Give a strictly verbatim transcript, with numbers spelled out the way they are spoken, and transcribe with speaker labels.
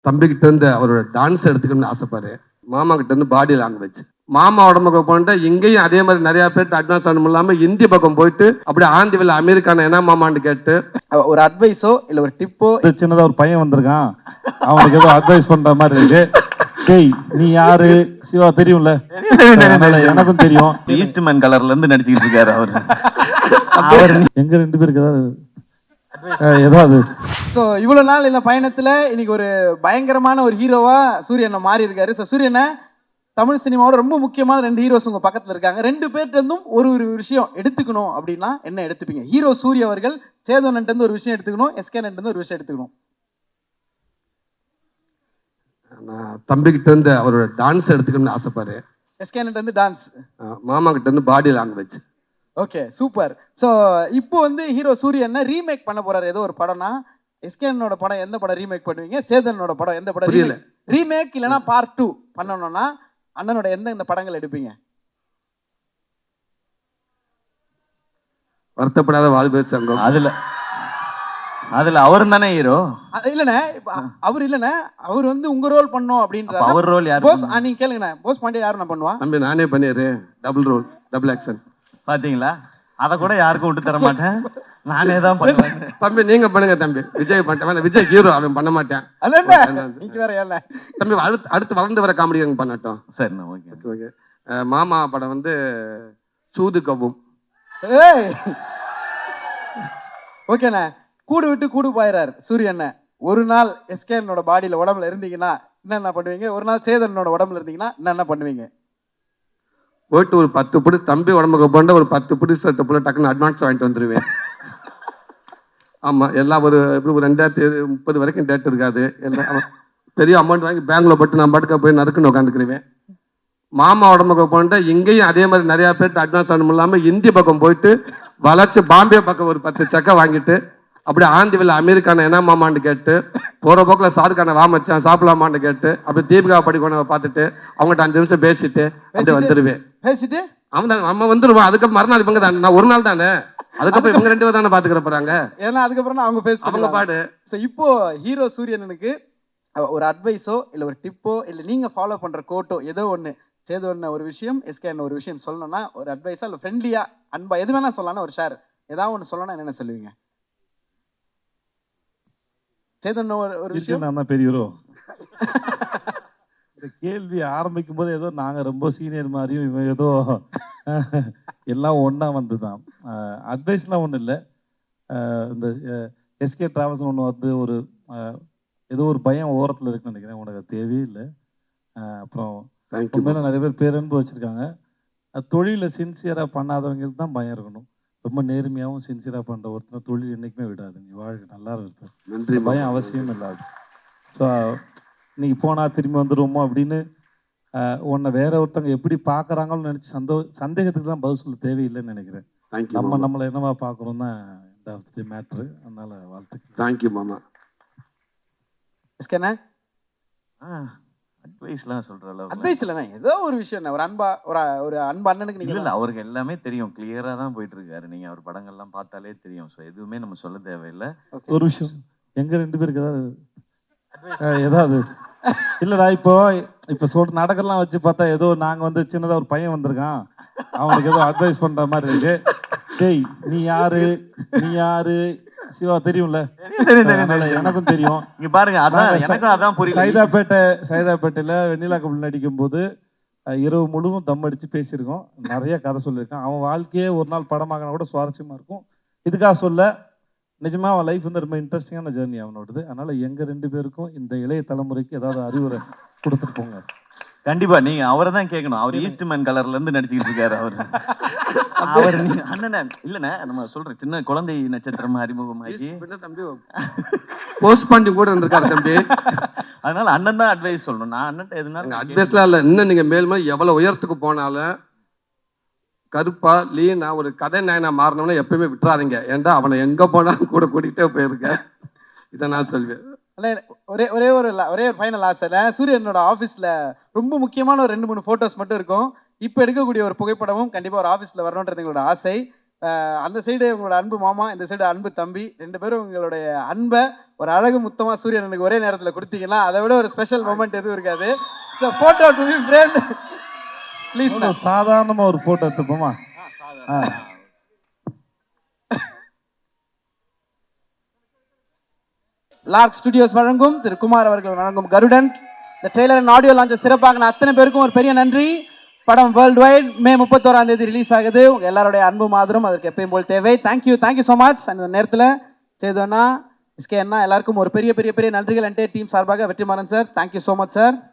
Speaker 1: தம்பிக்கிட்ட இருந்து அவரோட டான்ஸ் எடுத்துக்கணும்னு ஆசைப்பாரு. மாமா கிட்ட இருந்து பாடி லாங்குவேஜ். மாமா உடம்புக்கு போயிட்டு இங்கேயும் அதே மாதிரி நிறைய பேர்ட்டு அட்வான்ஸ் ஆனும் இல்லாம இந்தி பக்கம் போயிட்டு அப்படியே ஆந்திவில் அமெரிக்கான என்ன மாமான்னு கேட்டு
Speaker 2: ஒரு அட்வைஸோ இல்ல ஒரு டிப்போ.
Speaker 3: சின்னதா ஒரு பையன் வந்திருக்கான், அவனுக்கு ஏதோ அட்வைஸ் பண்ற மாதிரி இருக்கு. டேய் நீ யாரு? சிவா தெரியும்ல? எனக்கும் தெரியும்.
Speaker 4: ஈஸ்ட்மேன் கலர்ல இருந்து நடிச்சுக்கிட்டு இருக்காரு அவரு.
Speaker 3: அவர் எங்க ரெண்டு பேருக்கு ஏதாவது ஏதாவது
Speaker 2: ஸோ இவ்வளோ நாள் இந்த பயணத்தில் இன்னைக்கு ஒரு பயங்கரமான ஒரு ஹீரோவா சூரியனை மாறி இருக்காரு. ஸோ சூரியனை தமிழ் சினிமாவோட ரொம்ப முக்கியமான ரெண்டு ஹீரோஸ் உங்கள் பக்கத்தில் இருக்காங்க. ரெண்டு பேர்ட்டேருந்தும் ஒரு ஒரு விஷயம் எடுத்துக்கணும் அப்படின்னா என்ன எடுத்துப்பீங்க? ஹீரோ சூரிய அவர்கள் சேதோனன்ட்டு ஒரு விஷயம் எடுத்துக்கணும், எஸ்கேனன்ட்டு ஒரு விஷயம் எடுத்துக்கணும்.
Speaker 1: நான் தம்பிக்கிட்ட இருந்து அவரோட டான்ஸ் எடுத்துக்கணும்னு ஆசைப்பாரு.
Speaker 2: எஸ்கேனன்ட்டு டான்ஸ்,
Speaker 1: மாமா கிட்ட இருந்து body language.
Speaker 2: Okay super. So இப்போ வந்து ஹீரோ சூரியன் ரீமேக் பண்ண போறாரு ஏதோ ஒரு படம்னா, எஸ்கேனோட படம் எந்த படம் ரீமேக் பண்ணுவீங்க? சேதனோட படம் எந்த படம்
Speaker 1: புரியல?
Speaker 2: ரீமேக் இல்லைனா பார்ட் டூ பண்ணணும்னா அண்ணனோட எந்த இந்த படங்கள் எடுப்பீங்க?
Speaker 1: வருத்தப்படாத வாழ்வே சங்கம்.
Speaker 4: அதுல அதுல அவரும் தானே ஹீரோ.
Speaker 2: இல்லண்ணே அவர் இல்லண்ணே அவர் வந்து உங்க ரோல் பண்ணோம் அப்படின்ற
Speaker 4: அவர் ரோல் யாரு?
Speaker 2: போஸ். நீங்க கேளுங்கண்ணே, போஸ் பாண்டியா யாரு நான் பண்ணுவா?
Speaker 1: தம்பி நானே பண்ணிடுறே, டபுள் ரோல், டபுள் ஆக்ஷன்.
Speaker 4: பாத்தீங்களா? அத கூட யாருக்கும் விட்டு தர மாட்டேன், நானே தான் பண்ணுவேன்.
Speaker 1: தம்பி நீங்க பண்ணுங்க தம்பி. விஜய் பண்ண, விஜய் ஹீரோ, அவன் பண்ண மாட்டேன்.
Speaker 2: நீங்க வேற ஏன்ல
Speaker 1: தம்பி அடுத்து அடுத்து வளர்ந்து வர காமெடி பண்ணட்டும்.
Speaker 4: சரிண்ணா, ஓகே
Speaker 1: ஓகே. மாமா படம் வந்து சூது கவ்வும்.
Speaker 2: ஓகேண்ணே. கூடு விட்டு கூடு போயிறாரு சூரியண்ண. ஒரு நாள் எஸ்கேனோட பாடியில உடம்புல இருந்தீங்கன்னா என்னென்ன பண்ணுவீங்க? ஒரு நாள் சேதனோட உடம்புல இருந்தீங்கன்னா என்னென்ன பண்ணுவீங்க?
Speaker 1: போயிட்டு ஒரு பத்து பிடி தம்பி உடம்புக்கு போண்ட ஒரு பத்து பிடி சட்டை போல டக்குன்னு அட்வான்ஸ் வாங்கிட்டு வந்துடுவேன். ஆமாம், எல்லாம் ஒரு எப்படி ஒரு ரெண்டாயிரத்தி முப்பது வரைக்கும் டேட் இருக்காது. எல்லாம் பெரிய அமௌண்ட் வாங்கி பேங்க்ல போட்டு நான் பாட்டுக்க போய் நறுக்குன்னு உட்காந்துக்கிடுவேன். மாமா உடம்புக்கு போண்ட இங்கேயும் அதே மாதிரி நிறைய பேர்ட்டு அட்வான்ஸ் ஆனும் இல்லாமல் இந்தி பக்கம் போயிட்டு வளைச்சு பாம்பே பக்கம் ஒரு பத்து சக்கை வாங்கிட்டு அப்படியே ஆந்திவில் அமெரிக்கான என்ன மாமான்னு கேட்டு போகிற போக்கில் சாருக்கான வா மச்சான் சாப்பிடலாமான்னு கேட்டு அப்படியே தீபிகா படிக்கணும் பார்த்துட்டு அவங்ககிட்ட அஞ்சு நிமிஷம் பேசிட்டு அப்படியே வந்துடுவேன்.
Speaker 2: பேசிட்டு
Speaker 1: அவன் தான் நம்ம வந்துடுவோம். அதுக்கப்புறம் மறுநாள் இவங்க தான், நான் ஒரு நாள் தானே, அதுக்கப்புறம் இவங்க ரெண்டு பேர் தானே பார்த்துக்கிற போறாங்க.
Speaker 2: ஏன்னா அதுக்கப்புறம் அவங்க பேச
Speaker 1: அவங்க பாடு.
Speaker 2: ஸோ இப்போ ஹீரோ சூரியனுக்கு ஒரு அட்வைஸோ இல்லை ஒரு டிப்போ இல்லை நீங்கள் ஃபாலோ பண்ணுற கோட்டோ ஏதோ ஒன்று சேது ஒன்று ஒரு விஷயம், எஸ்கேன்னு ஒரு விஷயம் சொல்லணும்னா ஒரு அட்வைஸா இல்லை ஃப்ரெண்ட்லியா அன்பா எது வேணா சொல்லலாம், ஒரு ஷேர் ஏதாவது ஒன்று சொல்லணும்னா என்னென்ன சொல்லுவீங்க? சேதன் ஒரு விஷயம்
Speaker 3: நான் தான் பெரிய ஹீரோ. இந்த கேள்வி ஆரம்பிக்கும் போது ஏதோ நாங்கள் ரொம்ப சீனியர் மாதிரியும் இவன் ஏதோ எல்லாம் ஒன்றா வந்து தான். அட்வைஸ்லாம் ஒன்றும் இல்லை. இந்த எஸ்கே டிராவல்ஸ் ஒன்று வந்து ஒரு ஏதோ ஒரு பயம் ஓரத்தில் இருக்குன்னு நினைக்கிறேன். உனக்கு தேவையே இல்லை. அப்புறம் உண்மையில நிறைய பேர் பேரன்பு வச்சுருக்காங்க. தொழிலில் சின்சியராக பண்ணாதவங்களுக்கு தான் பயம் இருக்கணும். ரொம்ப நேர்மையாகவும் சின்சியராக பண்ணுற ஒருத்தர் தொழில் என்றைக்குமே விடாது. நீ வாழ்க்கை நல்லா இருப்பேன், நன்றி, பயம் அவசியம் இல்லாது. ஸோ இன்னைக்கு போனால் திரும்பி வந்துடுவோமோ அப்படின்னு உன்னை வேற ஒருத்தவங்க எப்படி பார்க்குறாங்கன்னு நினச்சி சந்தோ சந்தேகத்துக்கு தான் பதில் சொல்ல தேவையில்லைன்னு நினைக்கிறேன். நம்ம நம்மளை என்னவா பார்க்குறோம் தான் இந்த மேட்ரு. அதனால வாழ்த்துக்கள்.
Speaker 1: தேங்க்யூ மாமா.
Speaker 2: எஸ்கேண்ணே
Speaker 4: அட்வைஸ்லாம் சொல்ற அளவுக்கு
Speaker 2: அட்வைஸ் இல்லைண்ணே, ஏதோ ஒரு விஷயம் ஒரு அன்பா ஒரு ஒரு அன்பு அண்ணனுக்கு நீங்க
Speaker 4: இல்லை, அவருக்கு எல்லாமே தெரியும், கிளியரா தான் போயிட்டு இருக்காரு. நீங்க அவர் படங்கள்லாம் பார்த்தாலே தெரியும். ஸோ எதுவுமே நம்ம சொல்ல தேவையில்லை.
Speaker 3: ஒரு விஷயம், எங்க ரெண்டு பேருக்கு ஏதாவது ஏதாவது இல்லைடா இப்போ இப்போ சொல் நடக்கலாம் வச்சு பார்த்தா ஏதோ நாங்கள் வந்து சின்னதாக ஒரு பையன் வந்திருக்கான், அவனுக்கு ஏதோ அட்வைஸ் பண்ணுற மாதிரி இருக்கு. டேய் நீ யாரு? நீ யாரு? சிவா தெரியும்ல? எனக்கும் தெரியும்.
Speaker 4: இங்க பாருங்க, அதான் எனக்கும் அதான் புரியும்.
Speaker 3: சைதாப்பேட்டை சைதாப்பேட்டையில் வெண்ணிலா கபல் நடிக்கும் போது இரவு முழுவதும் தம் அடித்து பேசியிருக்கோம். நிறைய கதை சொல்லியிருக்கான். அவன் வாழ்க்கையே ஒரு நாள் படமாக்கினா கூட சுவாரஸ்யமாக இருக்கும். இதுக்காக சொல்ல, நிஜமாக அவன் லைஃப் வந்து ரொம்ப இன்ட்ரெஸ்டிங்கான ஜேர்னி அவனோடது. அதனால் எங்கள் ரெண்டு பேருக்கும் இந்த இளைய தலைமுறைக்கு ஏதாவது அறிவுரை கொடுத்துட்டு போங்க.
Speaker 4: கண்டிப்பா நீங்க அவரை தான் கேட்கணும். அவர் ஈஸ்ட்மேன் கலர்ல இருந்து நடிச்சுக்கிட்டு இருக்காரு அவரு. அவர் நீங்க அண்ணனே இல்லண்ணே, நம்ம சொல்ற சின்ன குழந்தை நட்சத்திரம் அறிமுகமாகி
Speaker 1: தம்பி போஸ்ட் பண்ணி கூட இருந்திருக்காரு தம்பி.
Speaker 4: அதனால அண்ணன் தான் அட்வைஸ் சொல்லணும். நான் அண்ணன் எதுனாலும்
Speaker 1: அட்வைஸ்லாம் இல்லை. இன்னும் நீங்க மேலுமே எவ்வளவு உயரத்துக்கு போனாலும் கருப்பா லீனா ஒரு கதை நாயனா மாறினவன எப்பயுமே விட்டுறாதீங்க. ஏன்டா அவனை எங்க போனாலும் கூட கூட்டிகிட்டே போயிருக்கேன். இதை நான் சொல்வேன்.
Speaker 2: ஒரே ஒரே ஒரு ஒரே ஒரு ஃபைனல் ஆசை, சூரியனோட ஆஃபீஸில் ரொம்ப முக்கியமான ஒரு ரெண்டு மூணு ஃபோட்டோஸ் மட்டும் இருக்கும். இப்போ எடுக்கக்கூடிய ஒரு புகைப்படமும் கண்டிப்பாக ஒரு ஆஃபீஸில் வரணுன்றது எங்களோட ஆசை. அஹ் அந்த சைடு உங்களோட அன்பு மாமா, இந்த சைடு அன்பு தம்பி, ரெண்டு பேரும் உங்களுடைய அன்பை ஒரு அழகு முத்தமா சூரியனுக்கு ஒரே நேரத்தில் கொடுத்தீங்கன்னா அதை விட ஒரு ஸ்பெஷல் மூமெண்ட் எதுவும் இருக்காது. Photo to be friend please.
Speaker 3: சாதாரணமா ஒரு போட்டோ எடுத்துப்போமா?
Speaker 2: லார்க் ஸ்டுடியோஸ் வழங்கும் திரு குமார் அவர்கள் வழங்கும் கருடன் இந்த ட்ரெய்லர் அண்ட் ஆடியோ லான்ச்சை சிறப்பாக அத்தனை பேருக்கும் ஒரு பெரிய நன்றி. படம் வேர்ல்டு வைட் மே முப்பத்தோராம் தேதி ரிலீஸ் ஆகுது. உங்க எல்லாருடைய அன்பு மாதிரம் அதற்கு எப்பயும் போல் தேவை. Thank you thank you so much. அந்த நேரத்தில் செய்தோன்னா எஸ்கே அண்ணா எல்லாருக்கும் ஒரு பெரிய பெரிய பெரிய நன்றிகள் என்டையர் டீம் சார்பாக. Vetrimaaran sir thank you so much sir.